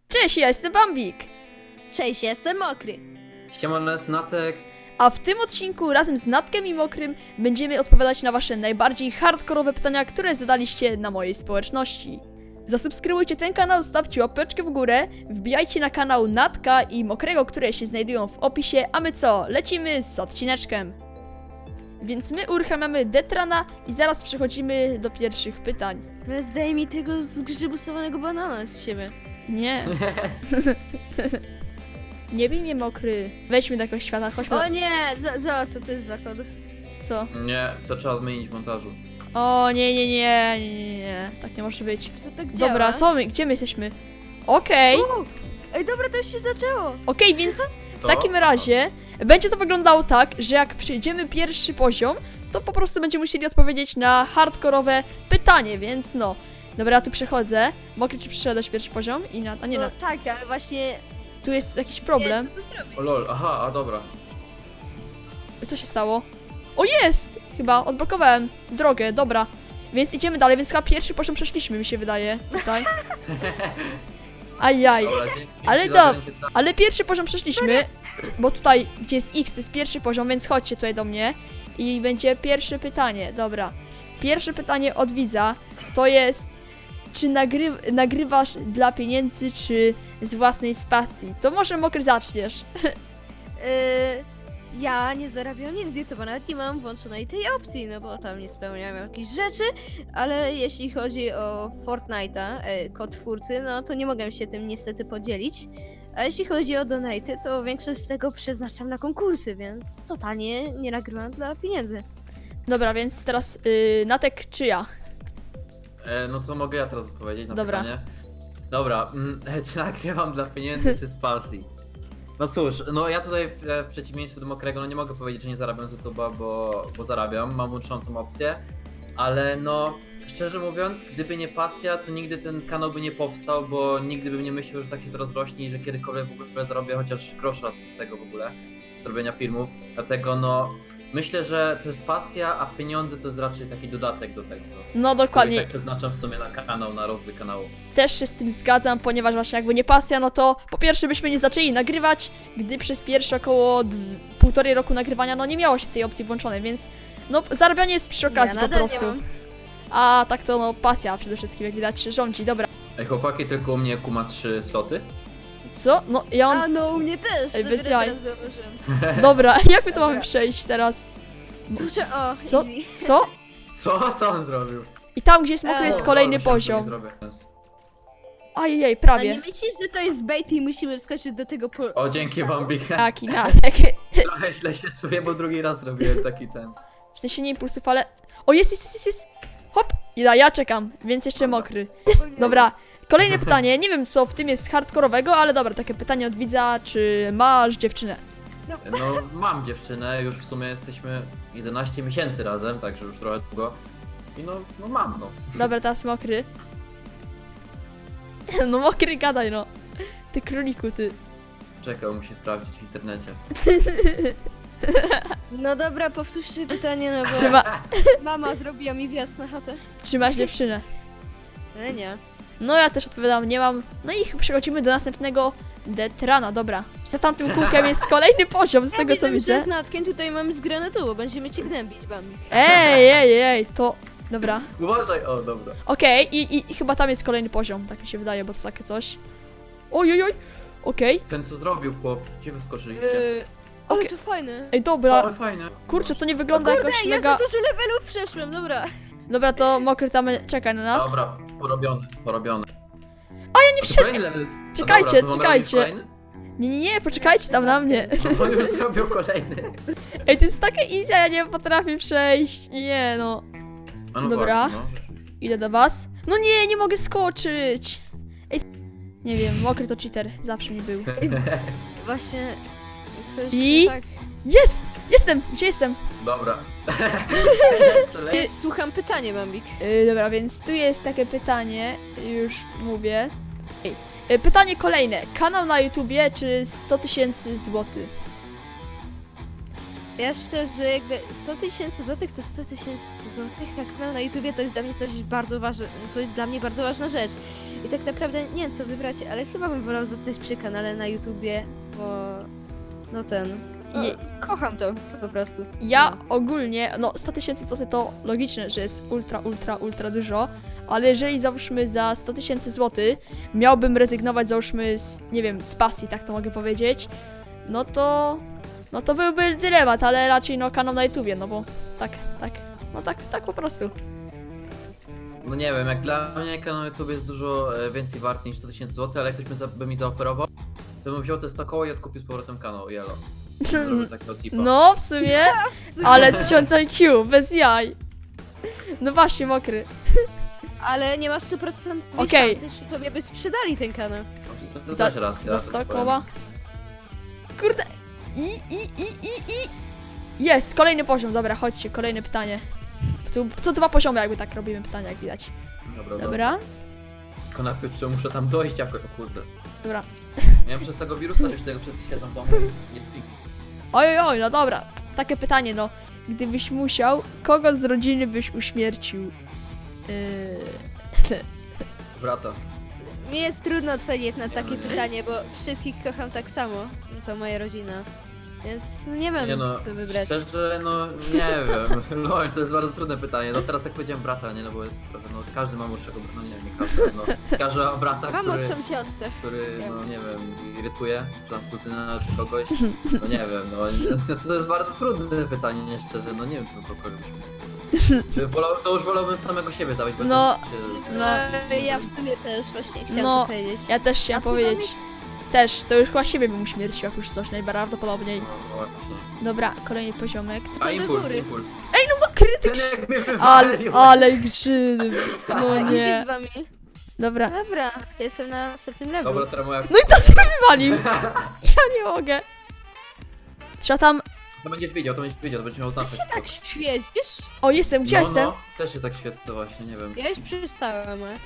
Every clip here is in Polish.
Cześć, ja jestem Bambik. Cześć, jestem Mokry. Siemano, jest Natek. A w tym odcinku razem z Natkiem i Mokrym będziemy odpowiadać na wasze najbardziej hardkorowe pytania, które zadaliście na mojej społeczności. Zasubskrybujcie ten kanał, stawcie łapeczkę w górę, wbijajcie na kanał Natka i Mokrego, które się znajdują w opisie, a my co? Lecimy z odcineczkiem. Więc my uruchamiamy Detrana i zaraz przechodzimy do pierwszych pytań. Zdaj mi tego zgrzybusowanego banana z siebie. Nie. Nie bij mnie, Mokry. Wejdźmy do jakiegoś świata, chodźmy. O nie, co to jest za kod? Co? Nie, to trzeba zmienić w montażu. O, nie. Tak nie może być. To tak działa? Dobra, co my? Gdzie my jesteśmy? Okej, Ej, dobra, to już się zaczęło. więc w Co? takim razie będzie to wyglądało tak, że jak przejdziemy pierwszy poziom, to po prostu będziemy musieli odpowiedzieć na hardkorowe pytanie, więc no. Dobra, ja tu przechodzę. Mokry, czy przyszedłeś pierwszy poziom? A nie, No tak, ale właśnie... tu jest jakiś problem. Nie, co tu zrobić? O lol, aha, a dobra. Co się stało? O, jest! Chyba odblokowałem drogę, dobra. Więc idziemy dalej, więc chyba pierwszy poziom przeszliśmy, mi się wydaje, tutaj. Ajaj. Dobra, dzięki Ale za dobra. wzięcie tra- Ale pierwszy poziom przeszliśmy, bo tutaj, gdzie jest X, to jest pierwszy poziom, więc chodźcie tutaj do mnie. I będzie pierwsze pytanie, dobra. Pierwsze pytanie od widza, to jest, czy nagrywasz dla pieniędzy, czy z własnej spacji? To może Mokry zaczniesz. Ja nie zarabiam nic z YouTube'a, nawet nie mam włączonej tej opcji, no bo tam nie spełniam jakichś rzeczy, ale jeśli chodzi o Fortnite'a, kod twórcy, no to nie mogę się tym niestety podzielić. A jeśli chodzi o donaty, to większość z tego przeznaczam na konkursy, więc totalnie nie nagrywam dla pieniędzy. Dobra, więc teraz Natek czy ja? No co mogę ja teraz odpowiedzieć na Dobra. pytanie? Dobra, czy nagrywam dla pieniędzy, czy z pasji? No cóż, no ja tutaj w przeciwieństwie do Mokrego, no nie mogę powiedzieć, że nie zarabiam z YouTube'a, bo zarabiam, mam włączoną tą opcję, ale no, szczerze mówiąc, gdyby nie pasja, to nigdy ten kanał by nie powstał, bo nigdy bym nie myślał, że tak się to rozrośnie i że kiedykolwiek w ogóle zarobię chociaż grosza z tego w ogóle, z robienia filmów, dlatego no, myślę, że to jest pasja, a pieniądze to jest raczej taki dodatek do tego. No Który dokładnie, tak przeznaczam w sumie na kanał, na rozwój kanału. też się z tym zgadzam, ponieważ właśnie jakby nie pasja, no to po pierwsze byśmy nie zaczęli nagrywać, gdy przez pierwsze około półtorej roku nagrywania, no nie miało się tej opcji włączonej, więc no zarabianie jest przy okazji Ja po nadal nie prostu. mam. A tak to no pasja przede wszystkim, jak widać rządzi, dobra. Ej chłopaki, tylko u mnie ma 3 sloty. Co? No ja A mam... no, u mnie też, Ej, bez dopiero jaj. teraz zauważyłem. Dobra, jak my to mamy Dobra. przejść teraz? Kurczę, o, Co? easy. Co? Co on zrobił? I tam gdzie jest mokry O, jest kolejny Myślałem, że nie poziom. zrobię. Ajej, A nie prawie. myślisz, że to jest bait i musimy wskoczyć do tego O, dzięki Bambik. Taki Natek. Trochę źle się czuję, bo drugi raz zrobiłem taki ten. W sensie nie impulsów, ale... O, jest! Hop! I ja czekam, więc jeszcze mokry. Jest! Dobra, kolejne pytanie. Nie wiem, co w tym jest hardkorowego, ale dobra, takie pytanie od widza, czy masz dziewczynę? No, mam dziewczynę, już w sumie jesteśmy 11 miesięcy razem, także już trochę długo. I no mam, no. Dobra, teraz mokry. No mokry, gadaj, no. Ty króliku, ty. Czekał, musi sprawdzić w internecie. No dobra, powtórzcie pytanie, no bo Trzyma... mama zrobiła mi wjazd na chatę. Czy masz dziewczynę? Nie. No ja też odpowiadam, nie mam. No i przechodzimy do następnego Detrana, dobra. Za tamtym kółkiem jest kolejny poziom, z tego co widzę. Z Natkiem tutaj mamy z granatu, bo będziemy cię gnębić, Bambi. Ej, to... Dobra. Uważaj, o dobra. Okej, i chyba tam jest kolejny poziom, tak mi się wydaje, bo to takie coś. Oj. Okej. Ten co zrobił chłop, gdzie wyskoczyliście? Ale Okej. to fajne. Ej, dobra. Ale fajne. Kurczę, to nie wygląda jakoś Ja za mega... dużo levelów przeszłem, dobra. Dobra, to mokry tam czekaj na nas. Dobra, porobione. A ja nie To wszedłem! kolejny level. No Czekajcie, dobra, to mamy czekajcie. robić kolejny? Nie, poczekajcie tam na mnie. No on już zrobił kolejny. Ej, to jest takie easy, a ja nie potrafię przejść. Nie no. A no Dobra. właśnie, no. Idę do was. No nie mogę skoczyć. Ej, nie wiem, mokry to cheater, zawsze mi był. Właśnie coś I? tak. Jest! Jestem! Gdzie jestem? Dobra. Słucham pytanie, Bambik. Dobra, więc tu jest takie pytanie, już mówię. Pytanie kolejne. Kanał na YouTubie czy 100 000 złotych? Ja szczerze, jakby 100 000 złotych to 100 000 złotych, jak mam na YouTubie, to jest dla mnie coś bardzo ważne, to jest dla mnie bardzo ważna rzecz. I tak naprawdę nie wiem co wybrać, ale chyba bym wolał zostać przy kanale na YouTubie, bo no Je- kocham to po prostu. Ja ogólnie, no 100 000 złotych to logiczne, że jest ultra dużo, ale jeżeli załóżmy za 100 000 złotych miałbym rezygnować załóżmy z, nie wiem, z pasji, tak to mogę powiedzieć, no to byłby dylemat, ale raczej no kanał na YouTubie, no bo tak po prostu. No nie wiem, jak dla mnie kanał YouTube jest dużo więcej wart niż 100 000 zł, ale jak ktoś by mi zaoferował, to bym wziął te 100 koło i odkupił z powrotem kanał, jelo. Zrobił takiego tipa. No w sumie, ale 1000 IQ, bez jaj. No właśnie, Mokry. Ale nie ma 100% Okej. szansy, że tobie by sprzedali ten kanał. To Za- też racja. Za tak 100 powiem. koła. Kurde. I. Jest, kolejny poziom, dobra, chodźcie, kolejne pytanie. Tu co 2 poziomy jakby tak robimy pytania, jak widać. Dobra. Dobra, Tylko najpierw czy muszę tam dojść jakoś, o kurde. dobra. Miałem przez tego wirusa, czy tego wszyscy siedzą w domu i nie spik. Oj, no dobra. Takie pytanie, no. Gdybyś musiał, kogo z rodziny byś uśmiercił? Brata. Mi jest trudno odpowiedzieć na Nie, takie no nie. pytanie, bo wszystkich kocham tak samo. To moja rodzina. Więc nie wiem, Nie no, co wybrać. szczerze, no nie wiem. Lol, to jest bardzo trudne pytanie. No teraz tak powiedziałem brata, nie, no bo jest trochę, no każdy ma młodszego, no nie wiem, nie każdy, no każdy ma brata, Mam który, młodszą siostrę. no nie wiem, irytuje, czy tam kuzyna, czy kogoś, no nie wiem, no to jest bardzo trudne pytanie, nie szczerze, no nie wiem, czy to kogoś. To już wolałbym samego siebie dawać, bo No, też się, no. Ja w sumie też właśnie chciałam No, to powiedzieć. Ja też chciałam A ty, powiedzieć. Dominik? Też, to już chyba siebie bym uśmiercił, jak już coś najprawdopodobniej. no właśnie. Dobra, kolejny poziomek. A do impuls, góry. impuls. No krytyk! Ten jak mnie Ale, wywalił. ale grzyny. No Nic nie. z wami. Dobra. Dobra, jestem na następnym levelu. Dobra, teraz moja... No i to sobie wywalił. Ja nie mogę. Trzeba tam... To będziesz wiedział, to będziesz miał znaczyć. Tak świecisz? O, jestem, gdzie jestem? No, też się tak świecę właśnie, nie wiem. Ja już przestałem, ale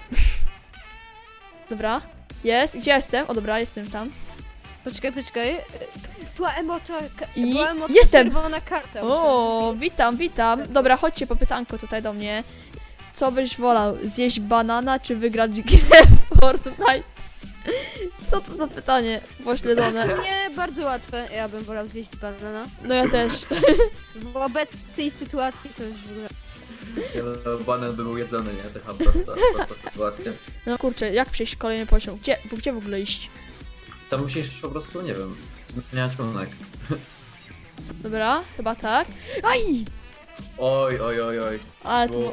Dobra. Jest, gdzie jestem? O dobra, jestem tam. Poczekaj. Była emota, I była emota jestem. czerwona karta. O, witam. Dobra, chodźcie po pytanko tutaj do mnie. Co byś wolał? Zjeść banana, czy wygrać grę w Fortnite? Co to za pytanie pośledzone? Nie, bardzo łatwe. Ja bym wolał zjeść banana. No ja też. W obecnej sytuacji to już w ogóle... Banan by był jedzony, nie? Taka prosta sytuacja. No kurczę, jak przejść kolejny poziom? Gdzie w ogóle iść? Tam musisz po prostu, nie wiem, zmieniać kierunek. Dobra, chyba tak. Aj! Oj. Ale to... Było-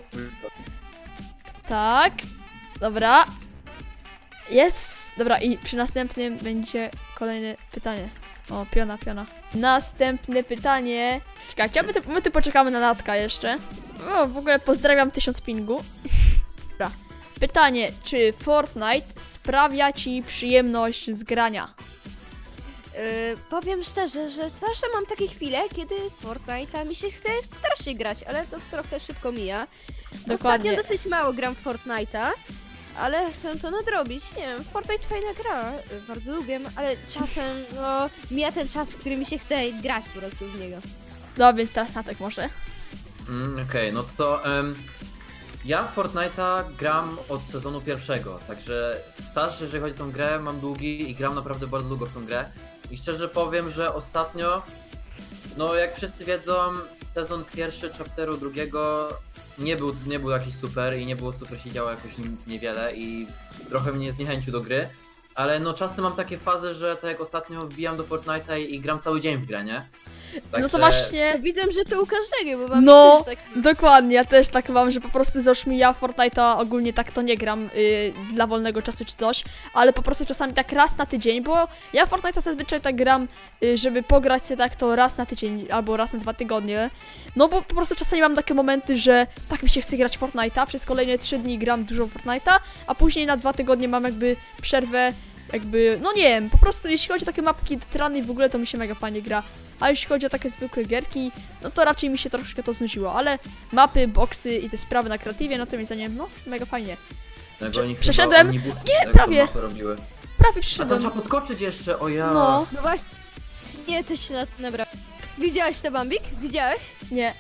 Tak. Dobra. Jest. Dobra, i przy następnym będzie kolejne pytanie. O, piona. Następne pytanie. Czekajcie, my tu poczekamy na Natka jeszcze. O, w ogóle pozdrawiam 1000 pingu. Dobra. Pytanie, czy Fortnite sprawia ci przyjemność z grania? Powiem szczerze, że zawsze mam takie chwile, kiedy Fortnite'a mi się chce strasznie grać, ale to trochę szybko mija. Dokładnie. Ostatnio dosyć mało gram w Fortnite'a, ale chcę to nadrobić. Nie wiem, Fortnite fajna gra, bardzo lubię, ale czasem, no, mija ten czas, w którym mi się chce grać po prostu w niego. No, więc teraz Natek może. Okej, no to ja w Fortnite'a gram od sezonu pierwszego, także staż, jeżeli chodzi o tą grę, mam długi i gram naprawdę bardzo długo w tą grę. I szczerze powiem, że ostatnio, no jak wszyscy wiedzą, sezon pierwszy, chapteru drugiego nie był jakiś super i nie było super, się działo jakoś niewiele i trochę mnie zniechęcił do gry. Ale no czasem mam takie fazy, że tak jak ostatnio wbijam do Fortnite'a i gram cały dzień w grę, nie? No to Także- właśnie. To widzę, że to u każdego, bo mam No, też tak... dokładnie, ja też tak mam, że po prostu załóżmy ja w Fortnite'a ogólnie tak to nie gram dla wolnego czasu czy coś, ale po prostu czasami tak raz na tydzień, bo ja w Fortnite'a zazwyczaj tak gram, żeby pograć sobie tak to raz na tydzień albo raz na 2 tygodnie, no bo po prostu czasami mam takie momenty, że tak mi się chce grać w Fortnite'a, przez kolejne 3 dni gram dużo w Fortnite'a, a później na 2 tygodnie mam jakby przerwę, jakby, no nie wiem, po prostu jeśli chodzi o takie mapki trany w ogóle to mi się mega fajnie gra. A jeśli chodzi o takie zwykłe gierki, no to raczej mi się troszkę to znudziło, ale mapy, boksy i te sprawy na kreatywie, no to mi zdaniem, no mega fajnie. Jak oni chyba Przeszedłem. omnibusy, Nie, jak prawie. tą mapę robiły. Prawie A tam przyszedłem. trzeba podskoczyć jeszcze, o ja. No, No właśnie, też się na to nabrałem. Widziałeś to, Bambik? Widziałeś? nie.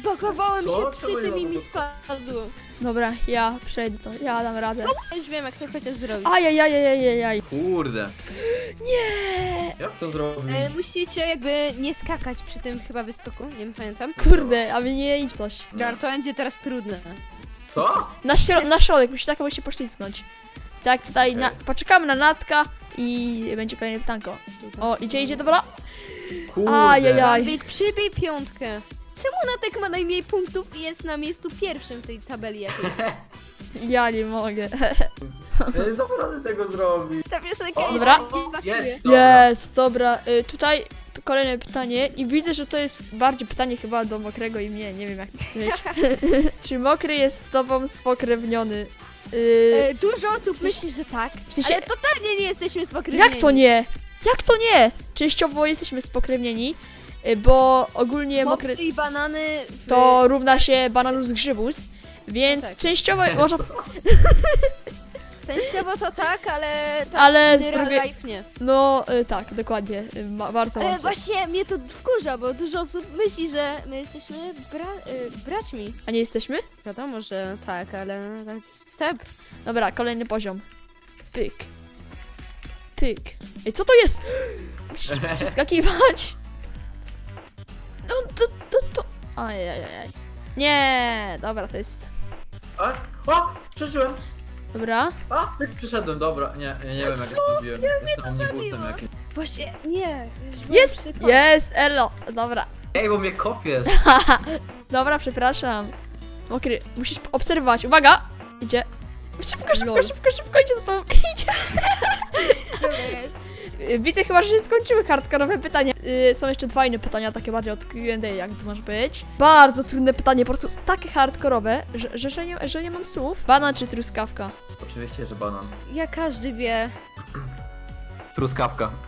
Pakowałem Co? się Czemu przy nie tym i mi mogę? spadło. Dobra, ja przejdę to, ja dam radę. Ja już wiem, jak to chociaż zrobić. Ajajajajajaj. Kurde. Nie. Jak to zrobić? Musicie jakby nie skakać przy tym chyba wyskoku, nie wiem, pamiętam. Kurde, a mnie nie idź coś. Gar, to będzie teraz trudne. Co? Na środek, musisz tak się poślizgnąć. Tak, tutaj Okej. poczekamy na Natka i będzie kolejne pytanko. O, idzie, dobra. Kurde. Ajajaj. Big, przybij piątkę. Czemu Natek ma najmniej punktów i jest na miejscu pierwszym w tej tabeli jakiejś? Ja nie mogę. Ja nie dam rady tego zrobić. Ta piosenka O, Dobra. nie pasuje. Jest, dobra. Jest, dobra. Tutaj kolejne pytanie i widzę, że to jest bardziej pytanie chyba do Mokrego i mnie, nie wiem jak to powiedzieć. Czy Mokry jest z tobą spokrewniony? Dużo osób myśli, że tak, W sensie- ale totalnie nie jesteśmy spokrewnieni. Jak to nie? Jak to nie? Częściowo jesteśmy spokrewnieni, bo ogólnie Mokry Mopsy i banany to równa się bananus grzybus, więc No tak. częściowo można... Częściowo to tak, ale tak Ale z in real drugiej- life nie. No tak, dokładnie, bardzo Ale łatwo. właśnie mnie to wkurza, bo dużo osób myśli, że my jesteśmy braćmi. A nie jesteśmy? Wiadomo, że tak, ale tak step. Dobra, kolejny poziom. Pyk. Pyk. Ej, co to jest? Musisz przeskakiwać. No to. Ajajaj. Nie, dobra, to jest. A? O! Przeżyłem! Dobra. A! Jak przyszedłem, dobra. Nie, ja nie wiem jak to zrobiłem. Jestem omnibusem jakimś. Właśnie, nie. już byłem Jest! przy końcu. Jest! Elo! Dobra. Ej, bo mnie kopiesz! Dobra, przepraszam. Mokry, musisz obserwować. Uwaga! Idzie. Szybko, Lol. idzie za to. Idzie. Widzę chyba, że się skończyły hardkorowe pytania. Są jeszcze dwa inne pytania, takie bardziej od Q&A, jak to może być. Bardzo trudne pytanie, po prostu takie hardkorowe, że nie mam słów. Banan czy truskawka? Oczywiście, że banan. Ja każdy wie. Truskawka.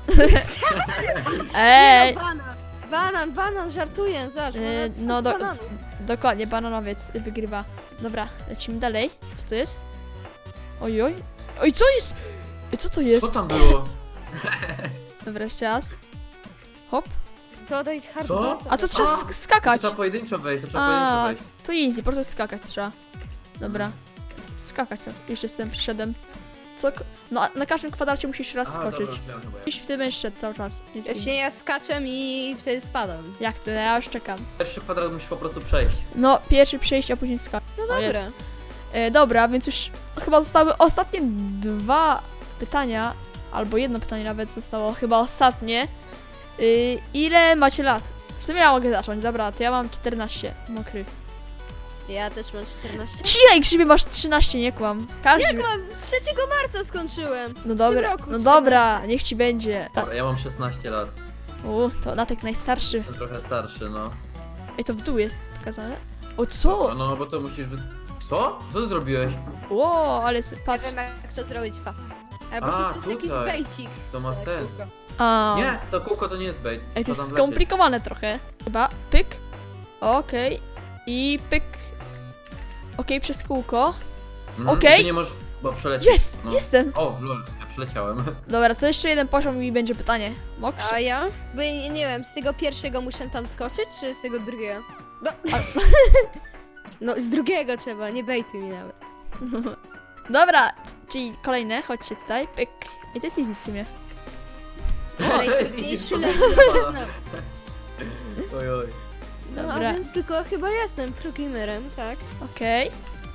Ej! Banan, żartuję, zobacz. No dokładnie, bananowiec wygrywa. Dobra, lecimy dalej. Co to jest? Ojoj. Oj, co jest? Ej, co to jest? Co tam było? Dobra, jeszcze raz. Hop. To daj hard Co? bassa. A to trzeba A! sk- skakać. To trzeba pojedynczo wejść, to trzeba A, pojedynczo wejść. to easy, po prostu skakać trzeba. Dobra. Skakać to. Już jestem, przyszedłem. Co? No, na każdym kwadracie musisz raz A, skoczyć. dobra, już wiem chyba jak. Musisz w tym będziesz szedł cały czas. Jest easy. Właśnie ja skaczę i wtedy spadam. Jak to? Ja już czekam. Pierwszy kwadrat musisz po prostu przejść. No, pierwszy przejście, a później skakać. No O, jest. dobra. Dobra, więc już chyba zostały ostatnie dwa pytania, albo jedno pytanie nawet zostało, chyba ostatnie. Ile macie lat? W sumie ja mogę zacząć, dobra, to ja mam 14, Mokry. Ja też mam 14. Cichaj, Grzybie, masz 13, nie kłam. Każdy... Jak mam? 3 marca skończyłem. No dobra, roku no 14. dobra, niech ci będzie. Dobra, ja mam 16 lat. To Natek najstarszy. Jestem trochę starszy, no. Ej, to w dół jest pokazane. O, Dobra, co? no bo to musisz Co? Co ty zrobiłeś? Ło, ale Nie patrz. wiem jak to zrobić, pa. Albo A, to jest jakiś tutaj. basic. To ma sens. A, Nie, to kółko to nie jest bait. Ej, to Trzeba jest tam wlecieć. skomplikowane trochę. Chyba, pyk. Okej. I pyk. Okej, przez kółko. okej. Ty nie możesz bo przelecieć. Jest! No. Jestem! O, lol, ja przeleciałem. Dobra, to jeszcze jeden poziom i będzie pytanie. Mokrzy? A ja? Bo nie wiem, z tego pierwszego muszę tam skoczyć, czy z tego drugiego? No, no z drugiego trzeba, nie bejtuj mi nawet. Dobra, czyli kolejne, chodźcie tutaj. Pyk. I to jest easy w sumie. O, to jest Najtrudniejszy easy, leci to na Oj, oj. No a Dobra. więc tylko chyba jestem progamerem, tak? Okej.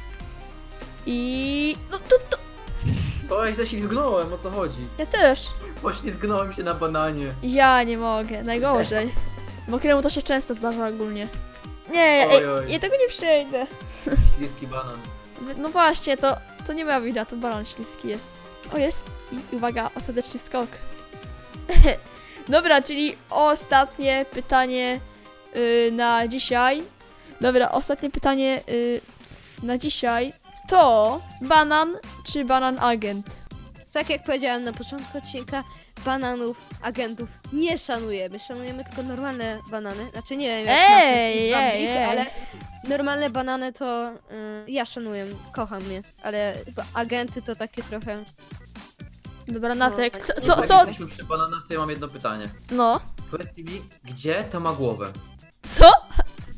I... No to... To ja się ślizgnąłem, o co chodzi? Ja też. Poślizgnąłem się na bananie. Ja nie mogę, najgorzej. Mokremu to się często zdarza ogólnie. Nie, Oj, ej, oj. ja tego nie przejdę. Śliski banan. No właśnie, to nie ma wina, to balon śliski jest. O, jest. I uwaga, ostateczny skok. Dobra, czyli ostatnie pytanie na dzisiaj. Dobra, ostatnie pytanie na dzisiaj to banan czy banan agent? Tak jak powiedziałem na początku odcinka, bananów, agentów nie szanujemy. Szanujemy tylko normalne banany. Znaczy nie wiem jak Ej, na ej, ej. ale normalne banany to ja szanuję, kocham je. Ale chyba agenty to takie trochę... Dobra, Natek, No, co, Jak co? jesteśmy przy bananach, to ja mam jedno pytanie. No, Powiedz mi, gdzie to ma głowę? co?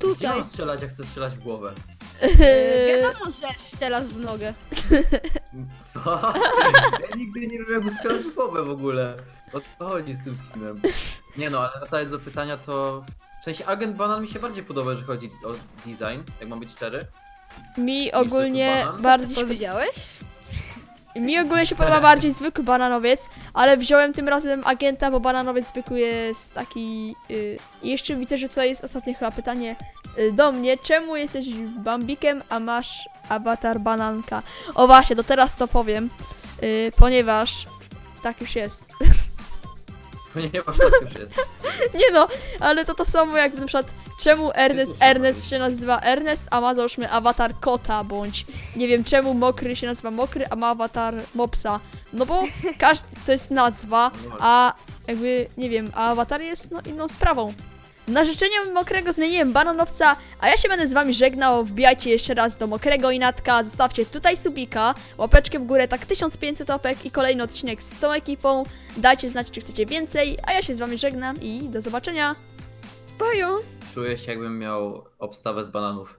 Gdzie tutaj. mam strzelać, jak chcę strzelać w głowę? Wiadomo, że teraz w nogę. Co? Ja nigdy nie wiem, jak strzelać w głowę w ogóle. O co chodzi z tym skinem? Nie no, ale wracając do pytania, to... W sensie Agent Banan mi się bardziej podoba, jeżeli chodzi o design, jak mam być szczery. Mi ogólnie banan? bardziej się Powiedziałeś? Mi ogólnie się podoba bardziej zwykły bananowiec, ale wziąłem tym razem agenta, bo bananowiec zwykły jest taki... I jeszcze widzę, że tutaj jest ostatnie chyba pytanie do mnie. Czemu jesteś Bambikiem, a masz awatar bananka? O właśnie, to teraz to powiem, ponieważ tak już jest. Ponieważ tak już jest. Nie no, ale to samo jak na przykład czemu słusznie Ernest się nazywa Ernest, a ma załóżmy awatar kota, bądź nie wiem czemu Mokry się nazywa Mokry, a ma awatar mopsa. No bo każdy to jest nazwa, a jakby nie wiem, a awatar jest no inną sprawą. Na życzenie Mokrego zmieniłem bananowca, a ja się będę z wami żegnał. Wbijajcie jeszcze raz do Mokrego i Natka, zostawcie tutaj subika, łapeczkę w górę, tak 1500 łapek i kolejny odcinek z tą ekipą. Dajcie znać, czy chcecie więcej, a ja się z wami żegnam i do zobaczenia. Bajo. Czuję się, jakbym miał obstawę z bananów.